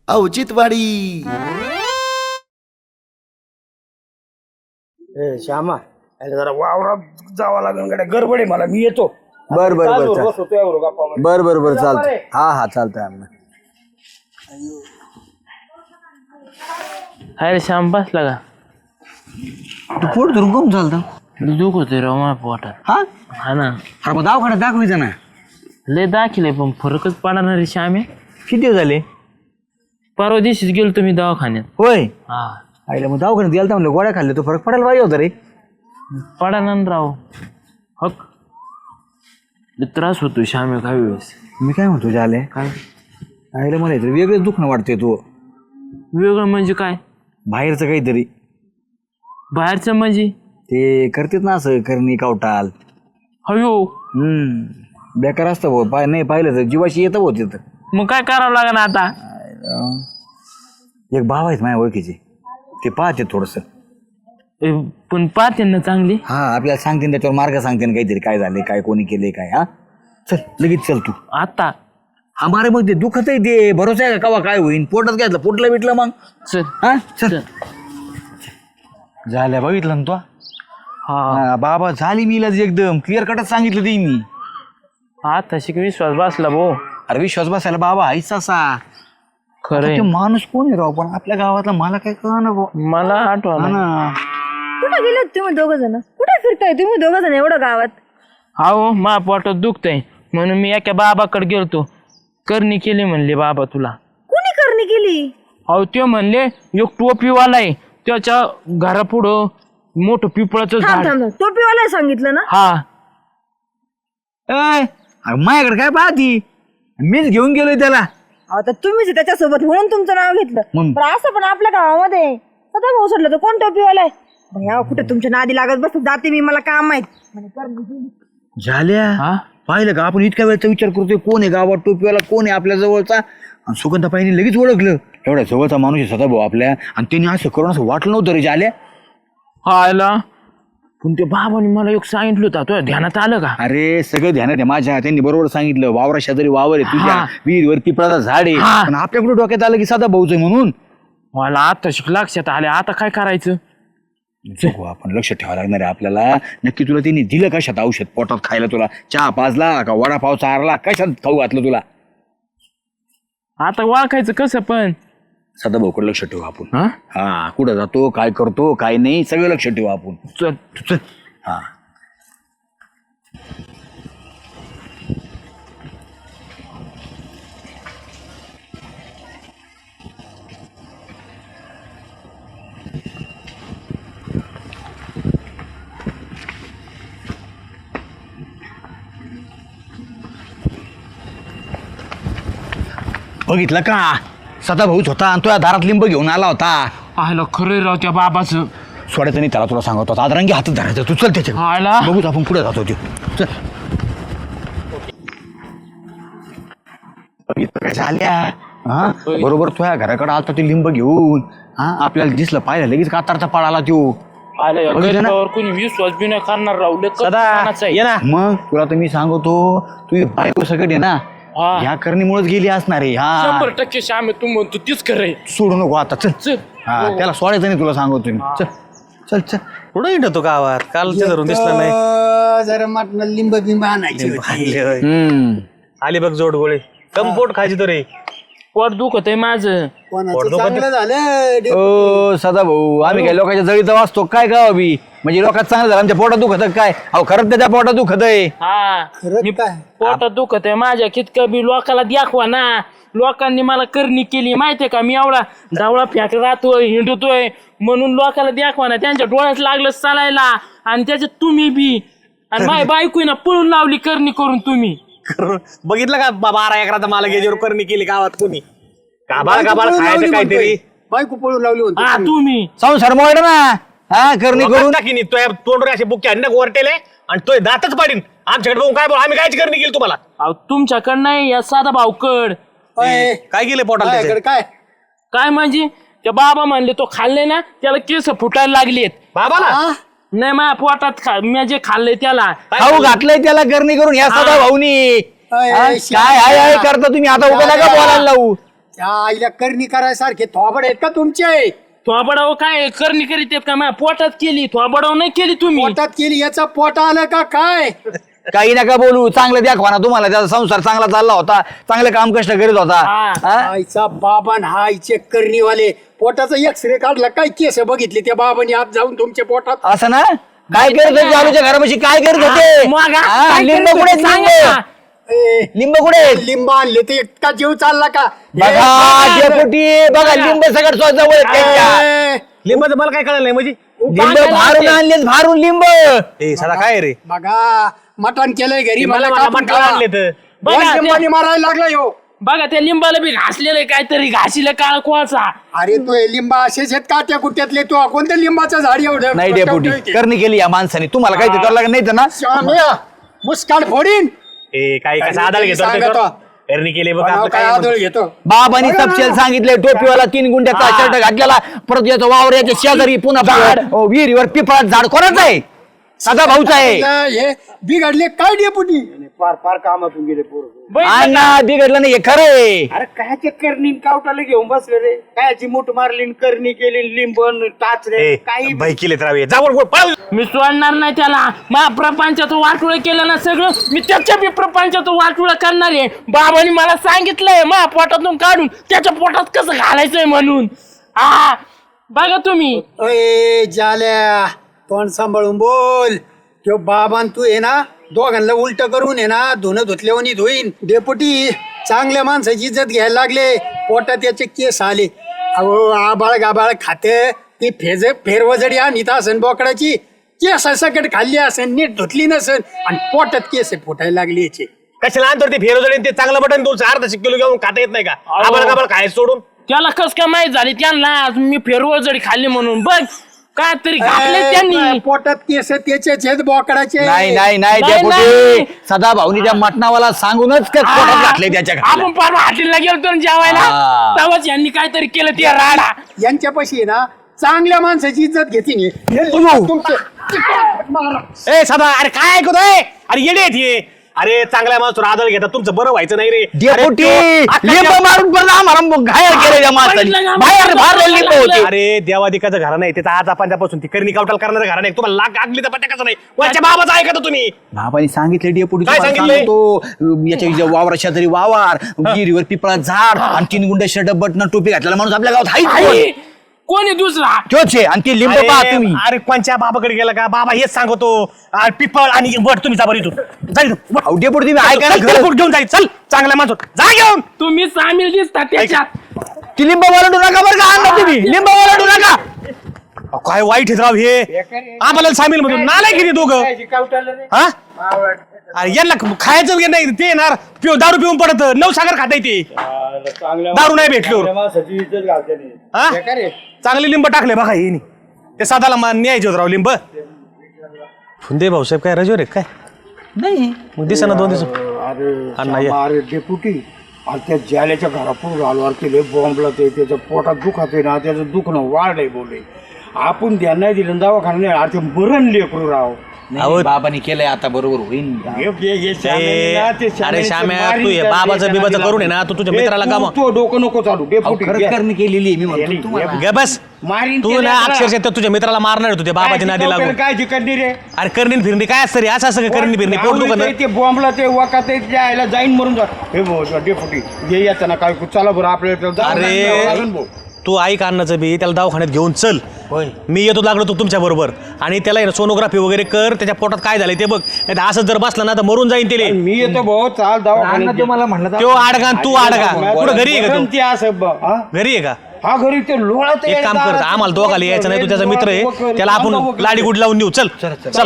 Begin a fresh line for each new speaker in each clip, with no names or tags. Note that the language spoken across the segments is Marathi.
औचित्यवाडी.
श्यामा अरे जरा वावरात जावं लागेल गड्या, गडबड आहे मला, मी येतो.
बर बर बर
बर
बर बर चालतंय. हा चालतंय आम्ही.
अरे श्याम बसला का?
तू पोट धरून कम चालतं?
दुख होते राव माझ्या पोटात. हा ना.
अरे मग दवाखान्यात दाखवायचं ना.
लय दाखिले पण फरकच पडणार रे श्यामे.
किती दिवस झाले?
परवा दिवशीच गेलो तुम्ही दवाखान्यात.
होय.
हा
आईला मग दवाखान्यात गेलता म्हणलं गोळ्या खाल्ल्या तो फरक पडायला पाहिजे होता रे.
पडा राव. हक लय त्रास होतो श्यामे काही वेळेस.
मी काय म्हणतो झाले
काय
आईला मला इथे वेगळंच दुखणं वाटतंय. तू
वेगळं म्हणजे काय?
बाहेरचं काहीतरी
बाहेरचं म्हणजे
ते करतेत ना असं करणी कावटाल.
हयो
बेकार असतं भाऊ. नाही पाहिलं तर जीवाशी येतं भाऊ तिथं.
मग काय करावं लागेल आता?
एक भाव आहेत माझ्या ओळखीचे, ते पाहते थोडस.
पण पाहते ना चांगली.
हा आपल्याला सांगते त्याच्यावर मार्ग सांगते ना काहीतरी, काय झाले काय कोणी केले काय. हा चल लगेच चल तू
आता.
हा मारे मग ते दुखत आहे ते, भरोसा आहे का कवा काय होईन. पोटात घ्यायचं पोटला बिटलं मग.
चल.
हा चल झाल्या बघितलं ना तू.
हा
बाबा झाली मी इलाज एकदम क्लिअर कटच सांगितलं ते मी.
आता शिक विश्वास बसला भाऊ.
अरे विश्वास बसायला बाबा हायच असा.
खरंय.
ते माणूस कोण आहे राव पण आपल्या गावातला मला काय कळना भाऊ.
मला आठवण
ना
कुठे गेले तुम्ही दोघ जण? कुठे फिरताय तुम्ही दोघ जण एवढं गावात?
हो मा पोटात दुखतंय म्हणून मी एका बाबाकडे गेलतो. करणी केली म्हणले बाबा तुला.
कुणी करणी केली?
अहो ते म्हणले एक टोपीवाला आहे त्याच्या घरापुढं मोठं पिपळाचं झाड.
टोपीवाला सांगितलं ना?
हा
माझ्याकडे काय पाहती, मीच घेऊन गेलोय त्याला.
आता तुम्हीच त्याच्यासोबत म्हणून तुमचं नाव घेतलं. पण असं पण आपल्या गावामध्ये सदा भाऊ सोडलं तर कोण टोपीवाला आहे? भैया कुठे तुमच्या नादी लागत बस जाते मी, मला काम माहित.
झाल्या पाहिलं का आपण इतक्या वेळचा विचार करतोय कोण आहे गावात टोपीवाला, कोण आहे आपल्या जवळचा. आणि सुगंधाबाईंनी लगेच ओळखलं एवढ्या जवळचा माणूस आहे सदा भाऊ आपल्या. आणि त्यांनी असं करून असं वाटलं नव्हतं रे झाल्या.
आला पण ते बाबाने मला एक सांगितलं होतं, तुझ्या ध्यानात आलं का?
अरे सगळं ध्यानात आहे माझ्या. त्यांनी बरोबर सांगितलं वावरा शेजारी वावर आहे तुझ्या, विहीर वरती पिपळाचं झाड आहे. पण आपल्याकडे डोक्यात आलं की सदा भाऊच आहे म्हणून.
मला आता लक्षात आले. आता काय करायचं?
आपण लक्ष ठेवावं लागणार आहे आपल्याला. नक्की तुला त्यांनी दिलं कशात औषध पोटात खायला? तुला चहा पाजला का वडापाव चारला, कशात खाऊ घातलं तुला?
आता ओळखायचं कसं पण?
सदा भाऊकडे लक्ष ठेवू आपण. हा कुठं जातो, काय करतो, काय नाही, सगळं लक्ष ठेवू आपण.
चल
चल. हा बघितलं का सदा भाऊच होता आणि तुझ्या दारात लिंब घेऊन आला होता.
आयला खरं राव त्या बाबाचं.
सोडायचं नाही त्याला, तुला सांगतो आदरांगी हातात धरायचं. तू चल त्याच्या
आयला
बघूच आपण पुढे जातो. चल झाल्या. हा बरोबर तुझ्या घराकडे आलता ते लिंब घेऊन. हा आपल्याला दिसलं पाहिलं लगेच कातारचा पाळ आला त्यो.
कोणी विश्वास बी नाही करणार राव.
मग तुला तर मी सांगतो तुझी बायको सगळं आहे ना ह्या करणीमुळेच गेली असणार आहे. हा
100% श्याम तू म्हणतो तीच खरंय.
सोडू नको आता. चल
चल.
हा त्याला सोडायचं नाही तुला सांगतो मी. चल चल चल.
कुठं येतो गावात? काल धरून दिसलं नाही.
जरा मटण लिंब बिंब आणायची होती.
आली बघ जोड गोळे. कम पोट खायची तो रे.
पोट दुखत आहे माझं.
कोणाचं चांगलं झालं.
ओ सदा भाऊ आम्ही काय लोकांच्या जळीत वाचतो काय गाव बी? म्हणजे लोकांत चांगलं झालं आमच्या पोटात दुखत काय? अहो खरंच त्याच्या पोटात दुखत आहे.
हा
खरंच काय?
पोटात दुखत आहे माझ्या. कितकं बी लोकाला दाखवा ना. लोकांनी मला करणी केली माहितीये का? मी एवढा डावळा फेक राहतोय हिंडतोय म्हणून लोकाला दाखवा ना. त्यांच्या डोळ्यात लागलं चालायला आणि त्याच्यात तुम्ही बी. आणि माझ्या बायकोनं पळून लावली करणी करून तुम्ही.
बघितलं का 12 एकराचा मला गेजेवर करणी केली गावात कोणी? काबाळ खायचं काहीतरी.
बायको पळून लावली होती.
हा तुम्ही
संसार मोड ना. हा करणी करून
टाकीन तोंडवर असे बुक्के अन्य गोरटेले आणि तो दातच पाडीन. आमच्याकडे बघून काय बोल आम्ही कायची करणी केली तुम्हाला?
अहो तुमच्याकडं नाही या साधा भाऊकड.
काय केले पोटाला त्याचे?
काय
काय म्हणजे त्या बाबा म्हणले तो खाल्ले ना त्याला केस फुटायला लागलेत.
बाबाला
नाही माझ्या पोटात मी जे खाल्लंय त्याला
खाऊ घातलंय त्याला करणी करून ह्या सदा भाऊनी. काय हाय हाय करता तुम्ही आता उभं नका बोलायला लावू.
त्या आईला करणी करायसारखे थोबड आहेत का तुमचे?
थोबडाव काय करणी करीत आहेत का माझ्या पोटात केली, थोबडाव नाही केली तुम्ही.
पोटात केली याचा पोट आलं का काय?
काही नका बोलू, चांगलं दाखवा ना तुम्हाला. त्याचा संसार चांगला चालला होता, चांगलं काम कष्ट करीत होता.
हा.
हा?
आईचा बाबान हा आईचे करणीवाले पोटाचा एक्सरे काढला, काय केस बघितले त्या बाबांनी आत जाऊन तुमच्या पोटात?
असं ना? काय करत होते आलूच्या घरापाशी, काय करत होते?
मग
हा,
काय
लिंब
करत
कुठे
होते? सांगा
लिंब?
ना.
ए,
लिंब कुठे?
लिंब आणले ते इतका जीव चालला का?
बघा डेपुटी, बघा लिंब सगळं जवळ आहेत त्यांच्या.
ए,
लिंबाचं मला काय कळलं नाही म्हणजे
लिंब भारून आणलेत, भारून लिंब.
ए साधा काय रे
बघा मटण केलंय घरी,
मला
मला कापून
मटण आणले तर.
बघा,
दोन
ते-
लिंबांनी मारायला लागला ह्यो.
बघा त्या लिंबाला बी घासलेलं काहीतरी, घासीला काळ कोळसा.
अरे तो हे लिंबा असेच आहेत का त्या कुट्यातले? तो कोणत्या लिंबाचं झाड एवढं
नाही डेपुटी, करणी केली या माणसाने. तुम्हाला काही करावं लागत नाही तर ना.
श्याम्या, मुस्कान फोडीन.
ए काही कसा आदळ घेतो
सांगतो.
त्याच्यावर? करणी केली बघ
बनाव
आपलं
काय
काय
आदळ घेतो?
बाबांनी तपशील सांगितले, टोपीवाला 3 गुंठ्याचा शर्ट घातलेला, परत याचा वावर याच्या शेजारी पुन्हा विहिरीवर पिपळात झाड कोणाचं आहे? सदा भाऊचा आहे.
हे बिघडले काय डेपुटी?
अण्णा बिघडलं नाही, हे खरं आहे.
अरे कायचे करणी कावटाला घेऊन बसले रे, कायची मूठ मारली न करणी केली, लिंबन टाचरे काही
बाई केले तर जावर पळ.
मी सोडणार नाही त्याला. मा प्रपंचाचं वाटोळ केलं ना सगळं, मी त्याच्या बी प्रपंचाचं वाटोळ करणार आहे. बाबांनी मला सांगितलंय मा पोटातून काढून त्याच्या पोटात कसं घालायचंय म्हणून. हा बघा तुम्ही.
अय जाल्या, तोंड सांभाळून बोल. तो बाबान तू आहे ना, दोघांना उलट करून आहे ना, धुणं धुतल्यावानी धुईन. डेपुटी चांगल्या माणसाची इज्जत घ्यायला लागले, पोटात त्याचे केस आले. अहो आबाळ गाबाळ खाते ती फेरवजडी आणीत असन बोकडाची, केस सकट खाल्ली असेल, नीट धुतली नसेल आणि पोटात केस फुटायला लागली याचे.
कशाला आणतो ते फेरवजडी? ते चांगलं बटन 2.5 किलो घेऊन खाता येत नाही का? आम्हाला का खायचं सोडून?
त्याला कस काय माहित झाली त्यांना मी फेरवळ जडी खाल्ली म्हणून? बघ काय तरी घातले त्यांनी.
पोटात केस त्याचेच आहेत बोकडाचे.
नाही नाही नाही
नाही,
डेपुटी,
नाही.
सदा भाऊनी त्या मटणावाला सांगूनच काय पोटात घातले त्याच्या घातले.
आपण परवा हॉटेलला गेलतो ना जेवायला,
हा.
तेव्हाच यांनी काहीतरी केलं ते राडा.
यांच्यापाशी आहे ना चांगल्या माणसाची इज्जत घेते तुमचे.
ए साधा, अरे काय ऐकतोय? अरे येडे आहेत हे. अरे चांगल्या माणसावर आदळ घेतात, तुमचं बरं व्हायचं नाही रे.
डेपुटी
अरे तो-
लिंब मारून परत आम्हाला घायल केलं त्या माणसाने. बाहेर मारलेलं लिंब होते.
अरे देवादिकाचं घर नाही त्याचा आज आपण ती करणी कावटाल करणारं घर नाही. तुम्हाला लाग आगली तर पत्या कसं नाही? वरच्या बाबाचं ऐकतो तुम्ही.
बाबांनी सांगितले डेपुटी,
काय
तुम्हाला
सांगितलंय?
सांगतो, याच्या वावरा शेजारी वावर, गिरीवर पिपळा झाड आणि 3 गुंडे शर्ट बटन टोपी घातलेला माणूस आपल्या गावात हाय.
आई, कोणी दुसरा?
तोच आहे. आणि ते लिंब पहा तुम्ही.
अरे कोणच्या बाबाकडे गेला का? बाबा हेच सांगतो. अरे पिपळ आणि वट तुम्ही जा बरं इथून. जाईल
अहो, डेपुटी तुम्ही ऐका ना खरं.
घेऊन जाईल. चल चांगल्या माणसं जा घेऊन.
तुम्ही सामील दिसता त्याच्यात.
ती लिंब वरडू नका बरं का अण्णा, तुम्ही लिंब वरडू नका.
काय वाईट आहेत राव हे. आम्हाला सामील मधून नालायक किती दोघं. हा अरे यांना खायचं वगैरे नाही, ते येणार दारू पिऊन पडत. 9 सागर खाता येते, दारू नाही भेटलो. हा चांगले लिंब टाकले बघा हे. ते साधाला न्यायचे होत राव लिंब. फुंदे भाऊसाहेब काय रजवर काय
नाही
मग दिसा ना 2 दिवस.
अरे डेपुटी, आणि त्या जाल्याच्या घरापूर आलवार केले बॉम्बला, ते त्याच्या पोटात दुखत आहे ना, त्याचं दुखणं वाढलंय बोले. आपण ध्यान नाही दिलं दवाखाना नाही, अरे ते मरण लेकरू राव.
नाही, बाबांनी केलंय आता बरोबर होईल.
अरे श्याम्या, तू हे बाबाचं बिबाचं करून आहे ना, तू तुझ्या मित्राला का मग
तो डोकं नको चालू डेपुटी.
खरंच करणी केलेली आहे, मी म्हणतो तुम्हाला.
ग बस.
मारीन
तू ना अक्षरशः त्या तुझ्या मित्राला मारणार होतो त्या बाबाची नादी लागून.
काय जिकडली रे?
अरे करणी फिरणी काय असतं रे? असं असं करणी फिरणी पोट दुखणं.
ते बॉम्बला ते वाकात जायला जाईन मरून जा. हे डेपुटी ये येतं ना काय, चला बरं आपल्याला.
अरे तू ऐक अन्नाचं बी, त्याला दवाखान्यात घेऊन चल. मी येतो लागलो तू तुमच्या बरोबर, आणि त्याला सोनोग्राफी वगैरे कर, त्याच्या पोटात काय झालंय ते बघ. नाही असं जर बसला ना तर मरून जाईन ते.
मी येतो भाऊ, चाल दवाखान्यात.
तुम्हाला म्हणलं
तो आडगा तू आडगा. कुठं घरी आहे का तू?
ते असं
घरी आहे का?
हा घरी ते लोळत
एक काम कर, आम्हाला दोघाला यायचं नाही. तू त्याचा मित्र आहे, त्याला आपण लाडी गुड लावून देऊ. चल चल.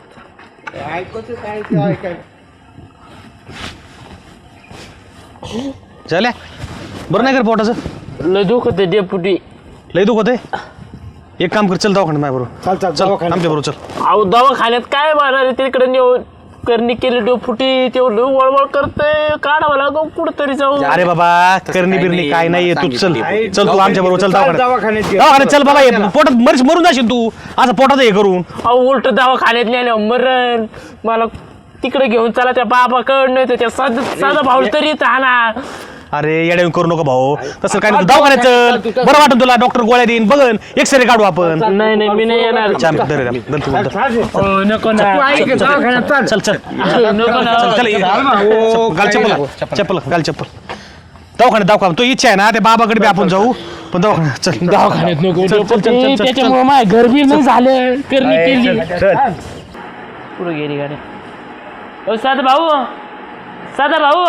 झाल्या बरं नाही कर पोटाचं?
लय दुखत डेपुटी,
लय दुखत आहे. एक काम कर, चल दवाखान्यात माझ्या बरोबर. चल आमच्या बरोबर चल.
अहो दवाखान्यात काय मारणार तिकडे नेऊन करणी केली डेपुटी. तेवढं वळवळ करतंय, काढावं लागो कुठतरी जाऊ.
अरे बाबा करणी बिरणी काय नाही, तू चल चल, तू आमच्या बरोबर चल
दवाखान्यात
दवाखान्यात चल बाबा. पोटात मरून जाशील तू असं पोटात हे करून.
अहो उलट दवाखान्यात नेल्यावर मरण. मला तिकडे घेऊन चला त्या बाबाकडनं, त्या साधा भाऊ तरी आणा.
अरे येड्या करू नको भाऊ, तसं काय नाही. तू दवाखान्यात चल, बरं वाटत तुला, डॉक्टर गोळ्या देईन, बघन एक्सरे काढू आपण.
नाही नाही मी नाही येणार.
चल, धर रे, धर तू, धर.
हो, नको ना.
चल चल
नको ना.
घाल चप्पल घाल चप्पल. दवाखान्यात दाखवा, तो इच्छा आहे ना त्या बाबाकडे बी आपण जाऊ, पण दवाखान्यात चल.
दवाखान्यात नको.
चल, चल, चल, चल, चल.
त्याच्यामुळे माझ्या घरबी नाही झालं, करणी केली. पुढे गेली गाडी. ओ साधा भाऊ, साधा भाऊ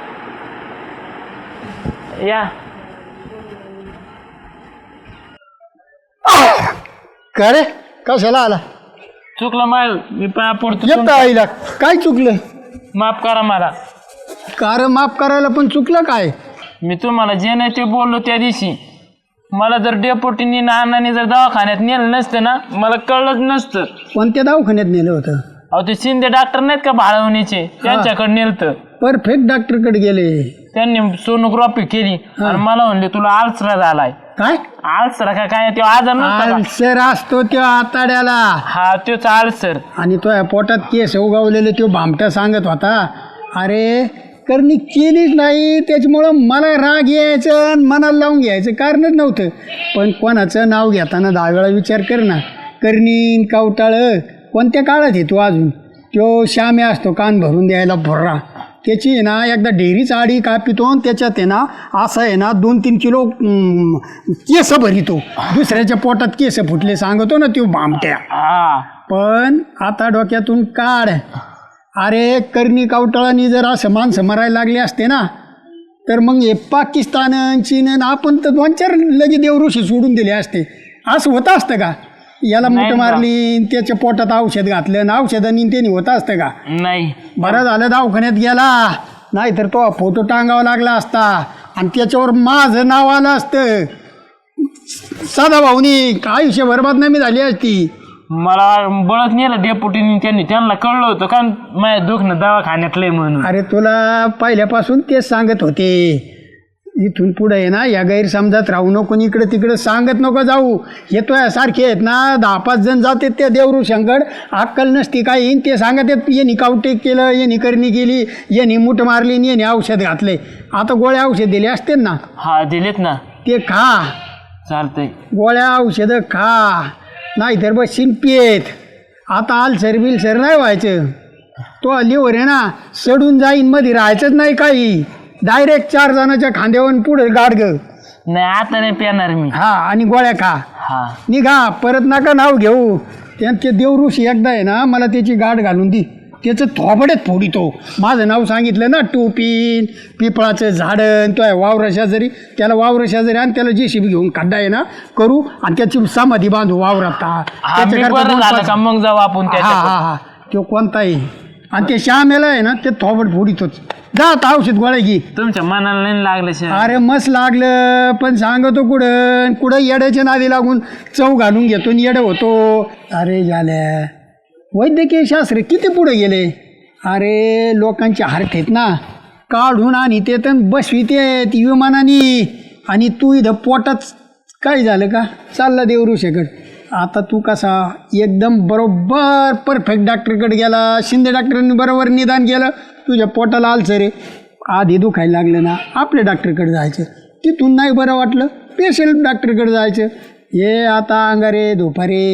या.
का रे कशाला आला
चुकलं माय, मी पाया पडतो.
येत आईला काय चुकलं?
माफ करा मला.
कार माफ करायला पण चुकलं काय?
मी तुम्हाला जे नाही ते बोललो त्या दिवशी. मला जर डेपोटीनी नानाने जर दवाखान्यात नेलं नसतं ना, मला कळलंच नसतं.
कोणत्या दवाखान्यात नेलं होतं?
अहो ते शिंदे डॉक्टर नाहीत का भाळवणीचे, त्यांच्याकडे नेलतं.
परफेक्ट डॉक्टरकडे गेले.
त्यांनी सोनोग्राफी केली आणि मला म्हणले तुला आल्सरा झालाय.
काय
आल्सरा का काय तो आजार नसता का?
आल्सर असतो त्यो आताड्याला.
हा तोच आल्सर.
आणि तो पोटात केस उगवलेले तो भामटा सांगत होता. अरे करणी केलीच नाही, त्याच्यामुळं मला राग यायचं आणि मनाला लावून घ्यायचं कारणच नव्हतं. पण कोणाचं नाव घेताना 10 वेळा विचार कर ना. करणी कावटाळ कोणत्या काळात येतो अजून? तो श्यामे असतो कान भरून द्यायला भर्रा. त्याची आहे ना एकदा डेअरीच आडी कापितो आणि त्याच्यात आहे ना असं आहे ना 2-3 किलो केस भरितो. दुसऱ्याच्या पोटात केस फुटले सांगतो ना तो भामट्या.
हा
पण आता डोक्यातून काढ. अरे करणी कावटाळांनी जर असं माणसं मरायला लागले असते ना, तर मग हे पाकिस्तान चीन आपण तर 2-4 लगे देवऋषी सोडून दिले असते. असं होतं असतं का? याला मूठ मारली, त्याच्या पोटात औषध घातलं आणि औषधांनी त्याने होतं असतं का?
नाही.
बरं झालं दवाखान्यात गेला, नाहीतर तो फोटो टांगावा लागला असता आणि त्याच्यावर माझं नाव आलं असतं. साधा भाऊनी आयुष्य बरबाद नाही झाली असती.
मला बळच नेलं डेपुटीनी, त्यांना कळलं होतं का माझ्या दुखणं दवाखान्यातलंय म्हणून.
अरे तुला पहिल्यापासून तेच सांगत होते, इथून पुढे आहे ना या गैरसमजात राहू नको, इकडे तिकडे सांगत नको जाऊ. येतोय सारखे आहेत ना 10-5 जण जाते त्या देवऋषांकड, अक्कल नसती काही, ते सांगत आहेत यांनी कावटे केलं, यांनी करणी केली, यांनी मूठ मारली, यांनी औषध घातले. आता गोळ्या औषध दिले असते ना,
हा दिलेत ना,
ते खा.
चालतंय.
गोळ्या औषधं खा, नाहीतर बस शिंपीत. आता आलसर बिलसर नाही व्हायचं. तो लिव्हर आहे ना सडून जाईन, मध्ये राहायचंच नाही काही. डायरेक्ट 4 जणांच्या खांद्यावर पुढे गाड ग.
नाही आता नाही पेणार मी.
हा आणि गोळ्या खा.
हा
निघा, परत नका नाव घेऊ. ते देवऋषी एकदा आहे ना मला त्याची गाठ घालून दी, त्याचं थोबड्यात फोडितो. माझं नाव सांगितलं ना, टोपीन पिपळाचं झाडं, तो आहे वावर शेजारी, त्याला वावर शेजारी आणि त्याला JCB घेऊन खड्डा आहे ना करू आणि त्याची समाधी बांधू वावरात.
हा, मी बरं झालं का मग जाऊ आपण
हा
त्याच्याकडे.
हा हा तो कोणताही. आणि ते श्यामेला आहे ना ते थोबड फोडितोच. जा आता औषध गोळ्या घे.
तुमच्या मनाला नाही लागलं शेर.
अरे मस्त लागलं, पण सांगतो कुठं कुठं येड्याच्या नादी लागून चव घालून घेतो आणि येडं होतो. अरे झाल्या वैद्यकीय शास्त्र किती पुढे गेले. अरे लोकांचे हार्ट आहेत ना काढून आणि ते तर बसविते विमानाने, आणि तू इथं पोटात काय झालं का चालला देवऋषीकडे. आता तू कसा एकदम बरोबर परफेक्ट डॉक्टरकडे गेला. शिंदे डॉक्टरांनी बरोबर निदान केलं, तुझ्या पोटाला आलसर रे आधी दुखायला लागलं ना, आपल्या डॉक्टरकडे जायचं. तिथून नाही बरं वाटलं पेशंट डॉक्टरकडे जायचं. हे आता अंगारे धोपारे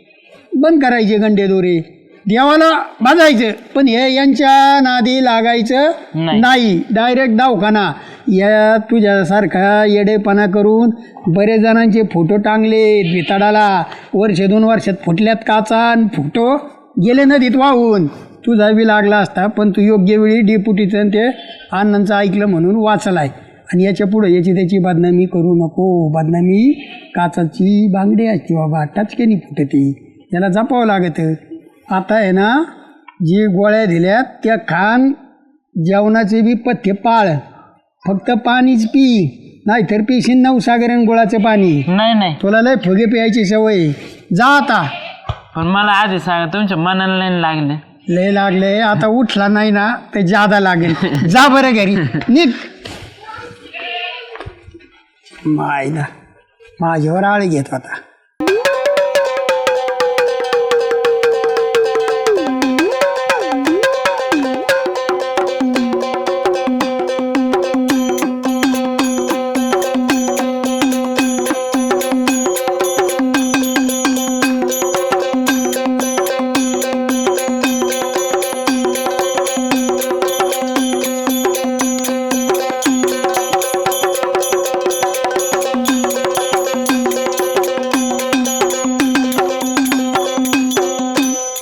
बंद करायचे, गंडे दोरे देवाला बाजायचं, पण हे यांच्या नादी लागायचं नाही. डायरेक्ट दवाखाना. या तुझ्यासारखा येडेपणा करून बरेच जणांचे फोटो टांगले भिताडाला, 1-2 वर्षात फुटल्यात काचा आणि फोटो गेले नदीत वाहून. तुझा बी लागला असता, पण तू योग्य वेळी डेपुटीचं ते अण्णांचं ऐकलं म्हणून वाचलाय. आणि याच्या पुढे याची त्याची बदनामी करू नको. बदनामी काचाची बांगडी असते बाबा, टचकेनी फुटते, त्याला जपावं लागतं. आता आहे ना जी गोळ्या दिल्यात त्या खान, जेवणाचे बी पथ्य पाळ, फक्त पाणीच पी, नाहीतर पिशीन 9 सागरण गुळाचं पाणी.
नाही नाही
तुला लय फुगे प्यायची सवय. जा आता.
पण मला आधी सांगा तुमच्या मनाला नाही लागले.
लय लागले, आता उठला नाही ना तर जादा लागेल. जा बरं घरी निघ. मायला माझ्यावर आळी घेत होता.